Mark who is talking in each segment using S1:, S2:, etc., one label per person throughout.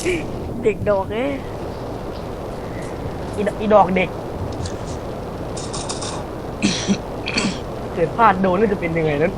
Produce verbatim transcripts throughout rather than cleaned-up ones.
S1: เด็กดอกเอ้ย
S2: อีดอีดอกเด็ก เกิดพลาดโดนแล้วจะเป็นยังไงนั้น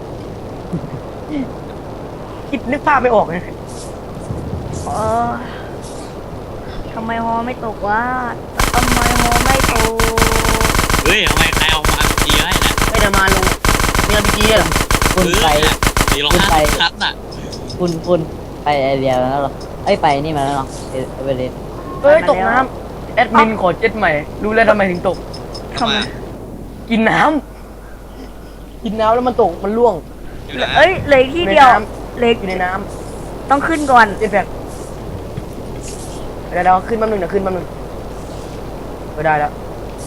S2: คิดนึกภาพไม่ออกเลย
S1: เออทำไมฮอไม่ตกวะทำไมฮอไม่ตก
S3: เฮ้ยทำไมใครเอามาดีให้นะ
S2: ไม่ได้มาลงเมียพีเหรอ
S4: คุณไป
S3: สี่ร้อย
S4: คุณ
S3: ห้า
S4: ไป
S3: สิบนัดน่ะ
S4: คุณคุณไปไอเดียแล้วเหรอไอ้ยไปนี่มาแล้วเหรอเอเวอเรสต์
S2: เฮ้ยตกน้ำแอดมินขอเจ็ดใหม่ รู้แล้วทำไมถึงตก
S1: ทำไม
S2: กินน้ำกินน้ำแล้วมันตกมันล่วง
S3: อยู่นะ
S1: เอ้ยเหลืออีกที่เดียวเหลือ
S2: อยู่ในน้
S1: ต้องขึ้นก่อน
S2: ำเจ็ดแพ็คเดี๋ยวเราขึ้นแป๊บนึงเดี๋ยวขึ้นแป๊บนึงไม่ได้แล้ว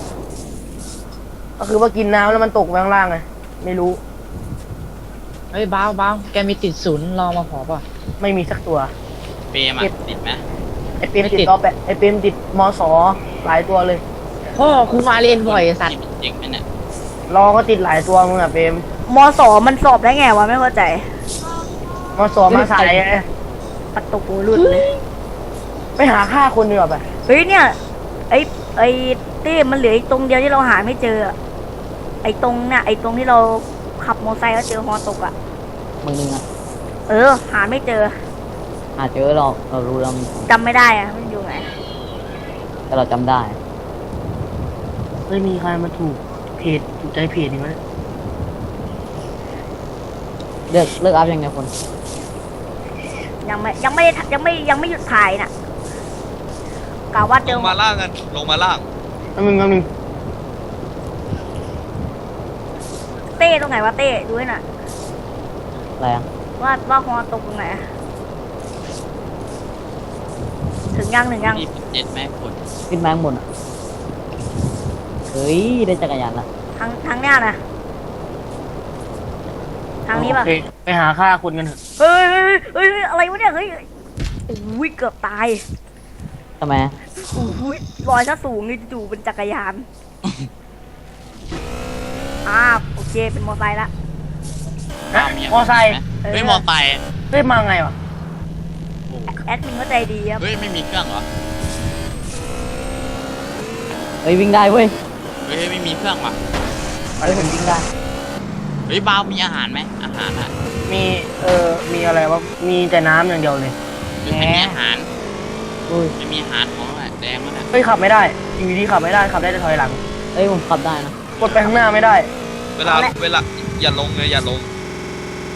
S2: ก็คือว่ากินน้ำแล้วมันตกไปข้างล่างไงไม่รู้
S5: เฮ้ยบ้าวบ้าวแกมีติดศูนย์รอมาขอป่ะ
S2: ไม่มีสักตัว
S3: เปรมอ่ะติดไหม
S2: ไอเปรม
S5: ไม่
S2: ติ
S5: ติ
S2: ด
S5: ด
S2: ต่อแปะไอเปรมติดมสหลายตัวเลย
S5: พ่อครูมาเรียนบ่อยไอ้สัตว์
S3: จริงไหมเนี่ย
S2: รอก็ติดหลายตัวมึงอะเปรม
S1: มสอมันสอบได้ไงวะไม่เข้าใจ
S2: มสมาสายไง
S1: ปัดตกหูหลุดเลย
S2: ไปหาฆ่าคนดีกว่าไป
S1: เฮ้ยเนี่ยไอ้ไอ้เต้มันเหลืออีกตรงเดียวที่เราหาไม่เจออะไอ้ตรงเนี่ยไอ้ตรงที่เราขับมอเตอร์ไซค์แล้วเจอฮอตกอ่ะ
S4: มึงนึงอ่ะ
S1: เออ หาไม่เจอ
S4: หาเจอเราเรารู้เรามีของ
S1: จำไม่ได้อะมันอยู่ไหน
S4: แต่เราจำได้
S2: ไม่มีใครมาถูกเพจถูกใจเพจนี่มั้ย
S4: เลิกเลิกอัพยังไงคน
S1: ยังไม่ยังไม่ได้ยังไม่ยังไม่หยุดถ่ายน่ะกะว่าเจ
S3: ล
S1: อง
S3: มาล่างกันลงมาล่าง
S2: แป๊บนึงแป๊บนึง
S1: เต้ตรงไหนวะเต้ดูให้หน่อย
S4: อะไรอ่ะ
S1: ว่าว่าฮอตกตรงไหนอะถึงยังถึงยัง
S3: มีเจ็ดแม่คน
S4: ขึ้นมาข้างบนอ่ะเฮ้ยได้จักรยานละ
S1: ทางทางเนี้ยนะทางนี้ป่ะ
S2: โอเคไปหาฆ่าคนกันเถอะ
S1: เฮ้ยเฮ้ยเฮ้ยเฮ้ยอะไรวะเนี่ยเฮ้ยอุ้ยเกือบตาย
S4: ทำไม
S1: อุ้ยลอยซะสูงนี่จู่ๆเป็นจักรยานอ่าโอเคเป็นมอไซค์ละ
S2: นะมอไซค์
S3: เฮ้ยมอไซค์
S2: เฮ้ยมาไงวะ
S1: แอดมินก็ใจดีครับ
S3: เฮ้ยไม่มีเครื่องเหรอ
S4: เฮ้ยวิ่งได้เว้ย
S3: เฮ้ยไม่มีเครื่องว่ะ
S4: เฮ้ยผมวิ่งได้
S3: เฮ้ยบาวมีอาหารไหมอาหารอ่ะ
S2: มีเออมีอะไรวะมีแต่น้ำอย่างเดียวเลย
S3: หรือไม่มีอาหาร
S4: อุ้ย
S3: ไม่มีอาหารของอะไรแดงมั้งอ่ะ
S2: เฮ้ยขับไม่ได้อยู่ดีๆขับไม่ได้ขับได้แต่ถอยหลัง
S4: เฮ้ยผมขับได้นะ
S2: กดไปข้างหน้าไม่ได้
S6: เวลาเวลาอย่าลงเลยอย่าลง